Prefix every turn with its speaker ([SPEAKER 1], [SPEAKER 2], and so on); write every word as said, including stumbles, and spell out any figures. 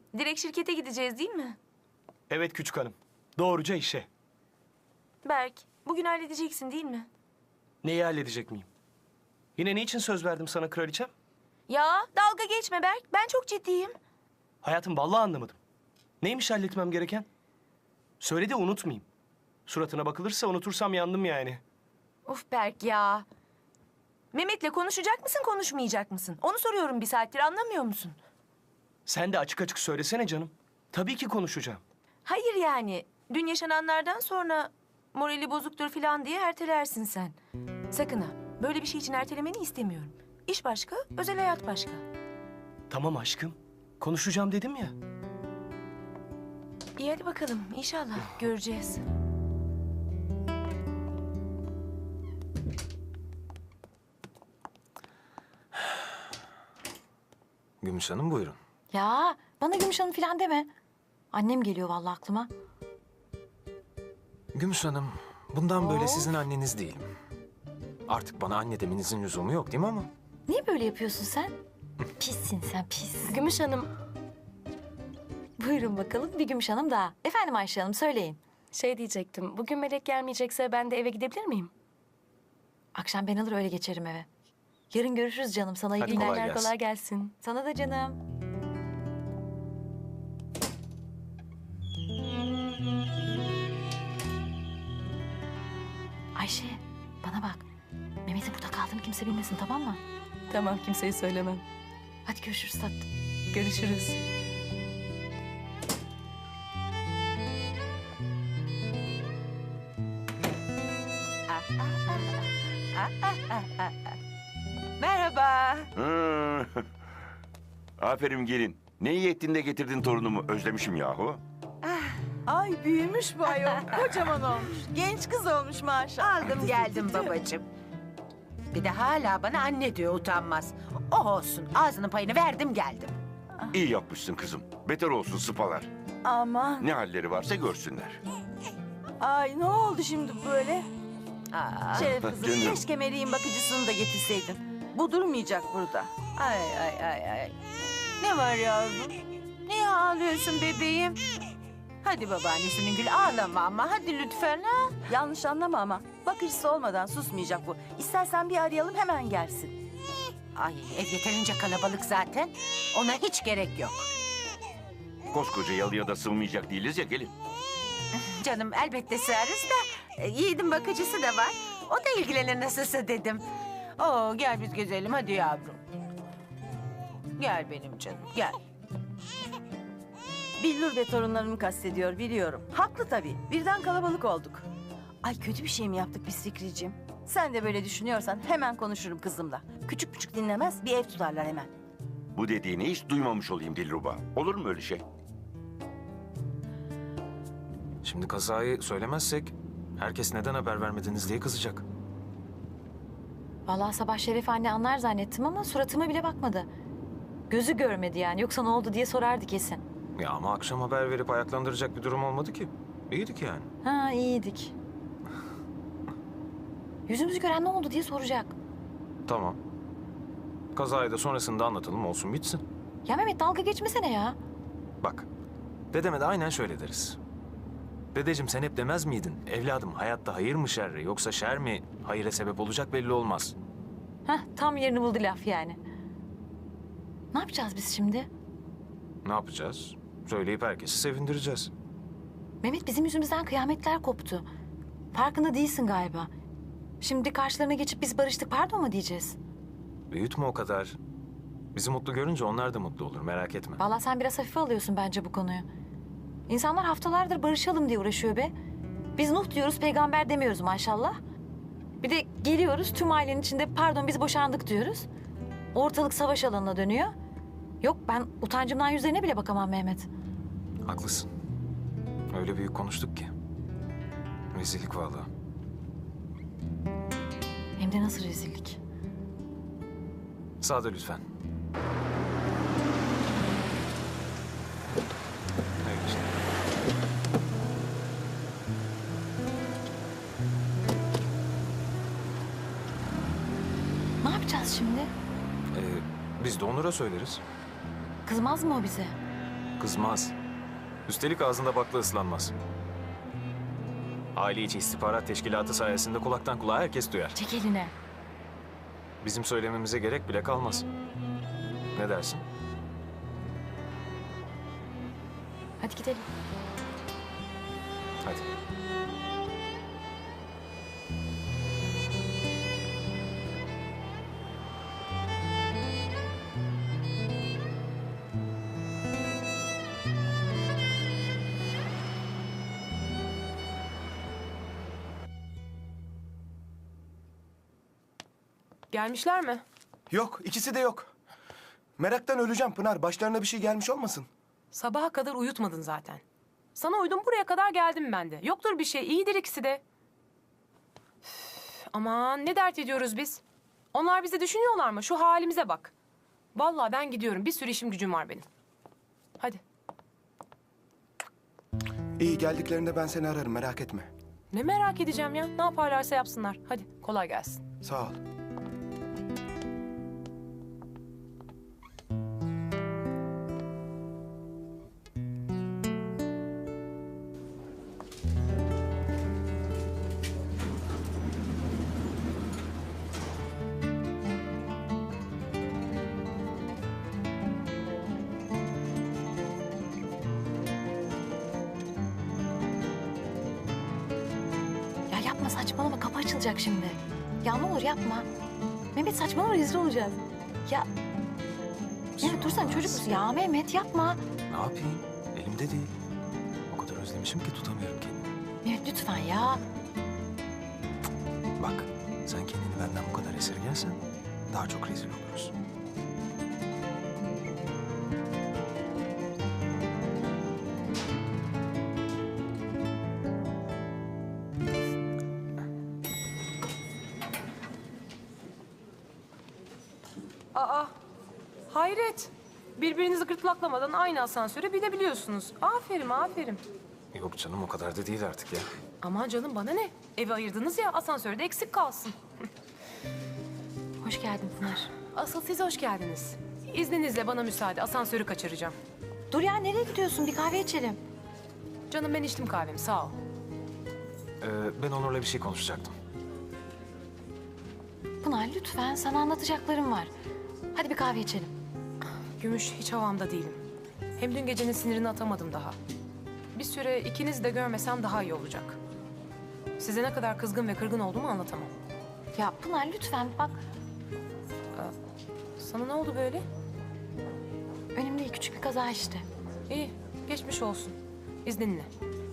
[SPEAKER 1] Direkt şirkete gideceğiz değil mi?
[SPEAKER 2] Evet küçük hanım. Doğruca işe.
[SPEAKER 1] Berk, bugün halledeceksin değil mi?
[SPEAKER 2] Neyi halledecek miyim? Yine ne için söz verdim sana kraliçem?
[SPEAKER 1] Ya dalga geçme Berk. Ben çok ciddiyim.
[SPEAKER 2] Hayatım vallahi anlamadım. Neymiş halletmem gereken? Söyle de unutmayayım. Suratına bakılırsa unutursam yandım yani.
[SPEAKER 1] Of Berk ya. Mehmet'le konuşacak mısın, konuşmayacak mısın? Onu soruyorum bir saattir, anlamıyor musun?
[SPEAKER 2] Sen de açık açık söylesene canım. Tabii ki konuşacağım.
[SPEAKER 1] Hayır yani. Dün yaşananlardan sonra morali bozuktur falan diye ertelersin sen. Sakın ha. Böyle bir şey için ertelemeni istemiyorum. İş başka, özel hayat başka.
[SPEAKER 2] Tamam aşkım. Konuşacağım dedim ya.
[SPEAKER 1] İyi hadi bakalım. İnşallah göreceğiz.
[SPEAKER 3] Gümüş Hanım buyurun.
[SPEAKER 4] Ya bana Gümüş Hanım falan deme. Annem geliyor vallahi aklıma.
[SPEAKER 3] Gümüş Hanım, bundan böyle sizin anneniz değilim. Artık bana anne demenizin lüzumu yok değil mi ama?
[SPEAKER 4] Niye böyle yapıyorsun sen? Pissin sen pis.
[SPEAKER 1] Gümüş Hanım,
[SPEAKER 4] Buyurun bakalım bir Gümüş Hanım daha. Efendim Ayşe Hanım söyleyin.
[SPEAKER 5] Şey diyecektim, bugün Melek gelmeyecekse ben de eve gidebilir miyim?
[SPEAKER 4] Akşam ben alır öyle geçerim eve. Yarın görüşürüz canım. Sana iyi
[SPEAKER 3] Hadi
[SPEAKER 4] günler.
[SPEAKER 3] kolay
[SPEAKER 5] Günler
[SPEAKER 3] gelsin.
[SPEAKER 5] kolay gelsin.
[SPEAKER 4] Sana da canım. Ayşe bana bak. Mehmet'in burada kaldığını kimse bilmesin tamam mı?
[SPEAKER 5] Tamam, kimseye söylemem.
[SPEAKER 4] Hadi görüşürüz tatlım.
[SPEAKER 5] Görüşürüz.
[SPEAKER 6] Merhaba.
[SPEAKER 7] Hı. Aferin gelin. Ne iyi ettin de getirdin torunumu. Özlemişim yahu.
[SPEAKER 6] Ay büyümüş bu ayol. Kocaman olmuş. Genç kız olmuş maşallah.
[SPEAKER 8] Aldım geldim babacığım. Bir de hala bana anne diyor utanmaz. Oh olsun ağzının payını verdim geldim.
[SPEAKER 7] İyi yapmışsın kızım. Beter olsun sıpalar.
[SPEAKER 6] Aman.
[SPEAKER 7] Ne halleri varsa görsünler.
[SPEAKER 6] Ay ne oldu şimdi böyle?
[SPEAKER 8] Aa,
[SPEAKER 6] Şeref kızım
[SPEAKER 7] Canım.
[SPEAKER 6] keşke Meriç'in bakıcısını da getirseydin. Bu durmayacak burada.
[SPEAKER 8] ay ay ay ay. Ne var yavrum? Niye ağlıyorsun bebeğim? Hadi babaannesinin gül ağlama ama hadi lütfen ha.
[SPEAKER 6] Yanlış anlama ama bakıcısı olmadan susmayacak bu. İstersen bir arayalım hemen gelsin.
[SPEAKER 8] Ay ev yeterince kalabalık zaten. Ona hiç gerek yok.
[SPEAKER 7] Koskoca yalıya da sığmayacak değiliz ya gelin.
[SPEAKER 8] Canım elbette sığarız da e, Yiğit'in bakıcısı da var. O da ilgilenir nasılsa dedim. Oo gel biz gezelim hadi yavrum. Gel benim canım gel.
[SPEAKER 6] Billur ve torunlarımı kastediyor biliyorum. Haklı tabii. Birden kalabalık olduk. Ay kötü bir şey mi yaptık biz Fikriciğim? Sen de böyle düşünüyorsan hemen konuşurum kızımla. Küçük küçük dinlemez bir ev tutarlar hemen.
[SPEAKER 7] Bu dediğini hiç duymamış olayım Dilruba. Olur mu öyle şey?
[SPEAKER 3] Şimdi kazayı söylemezsek herkes neden haber vermediniz diye kızacak.
[SPEAKER 4] Vallahi sabah Şeref anne anlar zannettim ama suratıma bile bakmadı. Gözü görmedi yani. Yoksa ne oldu diye sorardı kesin.
[SPEAKER 3] Ya ama akşam haber verip ayaklandıracak bir durum olmadı ki. İyiydik yani.
[SPEAKER 4] Ha iyiydik. Yüzümüzü gören ne oldu diye soracak.
[SPEAKER 3] Tamam. Kazayı da sonrasında anlatalım olsun bitsin.
[SPEAKER 4] Ya Mehmet dalga geçmesene ya.
[SPEAKER 3] Bak, dedeme de aynen şöyle deriz. Dedeciğim sen hep demez miydin? Evladım hayatta hayır mı şer mi yoksa şer mi hayıra sebep olacak belli olmaz.
[SPEAKER 4] Heh tam yerini buldu laf yani. Ne yapacağız biz şimdi?
[SPEAKER 3] Ne yapacağız? Söyleyip herkesi sevindireceğiz.
[SPEAKER 4] Mehmet bizim yüzümüzden kıyametler koptu. Farkında değilsin galiba. Şimdi karşılarına geçip biz barıştık pardon mu diyeceğiz?
[SPEAKER 3] Büyütme o kadar. Bizi mutlu görünce onlar da mutlu olur merak etme.
[SPEAKER 4] Vallahi sen biraz hafife alıyorsun bence bu konuyu. İnsanlar haftalardır barışalım diye uğraşıyor be. Biz Nuh diyoruz peygamber demiyoruz maşallah. Bir de geliyoruz tüm ailenin içinde pardon biz boşandık diyoruz. Ortalık savaş alanına dönüyor. Yok ben utancımdan yüzlerine bile bakamam Mehmet.
[SPEAKER 3] Haklısın. Öyle büyük konuştuk ki. Rezillik vallahi.
[SPEAKER 4] Hem de nasıl rezillik.
[SPEAKER 3] Sağda lütfen. Hayırlı işler.
[SPEAKER 4] Ne yapacağız şimdi?
[SPEAKER 3] Ee, biz de Onur'a söyleriz.
[SPEAKER 4] Kızmaz mı o bize?
[SPEAKER 3] Kızmaz. Üstelik ağzında bakla ıslanmaz. Aile içi istihbarat teşkilatı sayesinde kulaktan kulağa herkes duyar.
[SPEAKER 4] Çek eline.
[SPEAKER 3] Bizim söylememize gerek bile kalmaz. Ne dersin?
[SPEAKER 4] Hadi gidelim.
[SPEAKER 3] Hadi.
[SPEAKER 9] Gelmişler mi?
[SPEAKER 10] Yok, ikisi de yok. Meraktan öleceğim Pınar. Başlarına bir şey gelmiş olmasın?
[SPEAKER 9] Sabaha kadar uyutmadın zaten. Sana uydum, buraya kadar geldim ben de. Yoktur bir şey, iyidir ikisi de. Üf, aman ne dert ediyoruz biz? Onlar bizi düşünüyorlar mı? Şu halimize bak. Vallahi ben gidiyorum. Bir sürü işim gücüm var benim. Hadi.
[SPEAKER 10] İyi, geldiklerinde ben seni ararım, merak etme.
[SPEAKER 9] Ne merak edeceğim ya? Ne yaparlarsa yapsınlar. Hadi kolay gelsin.
[SPEAKER 10] Sağ ol.
[SPEAKER 4] Ya yapma, saçmalama, kapı açılacak şimdi. Ya ne olur yapma. Mehmet saçmalama, rezil olacağız. Ya Mehmet dursana, çocuk musun? Ya Mehmet yapma.
[SPEAKER 3] Ne yapayım? Elimde değil. O kadar özlemişim ki tutamıyorum kendimi.
[SPEAKER 4] Mehmet lütfen ya.
[SPEAKER 3] Bak, sen kendini benden bu kadar esirgersen daha çok rezil oluruz.
[SPEAKER 9] Aa, hayret. Birbirinizi gırtlaklamadan aynı asansöre binebiliyorsunuz. Aferin, aferin.
[SPEAKER 3] Yok canım, o kadar da değil artık ya.
[SPEAKER 9] Aman canım, bana ne? Evi ayırdınız ya, asansörde eksik kalsın.
[SPEAKER 4] Hoş geldin Pınar.
[SPEAKER 9] Asıl siz hoş geldiniz. İzninizle bana müsaade, asansörü kaçıracağım.
[SPEAKER 4] Dur ya, nereye gidiyorsun? Bir kahve içelim.
[SPEAKER 9] Canım ben içtim kahvemi, sağ ol.
[SPEAKER 3] Ee, ben Onur'la bir şey konuşacaktım.
[SPEAKER 4] Pınar lütfen, sana anlatacaklarım var. Hadi bir kahve içelim.
[SPEAKER 9] Gümüş, hiç havamda değilim. Hem dün gecenin sinirini atamadım daha. Bir süre ikinizi de görmesem daha iyi olacak. Size ne kadar kızgın ve kırgın olduğumu anlatamam.
[SPEAKER 4] Ya Pınar lütfen bak,
[SPEAKER 9] Sana ne oldu böyle?
[SPEAKER 4] önemli değil, küçük bir kaza işte.
[SPEAKER 9] İyi, geçmiş olsun. İzninle.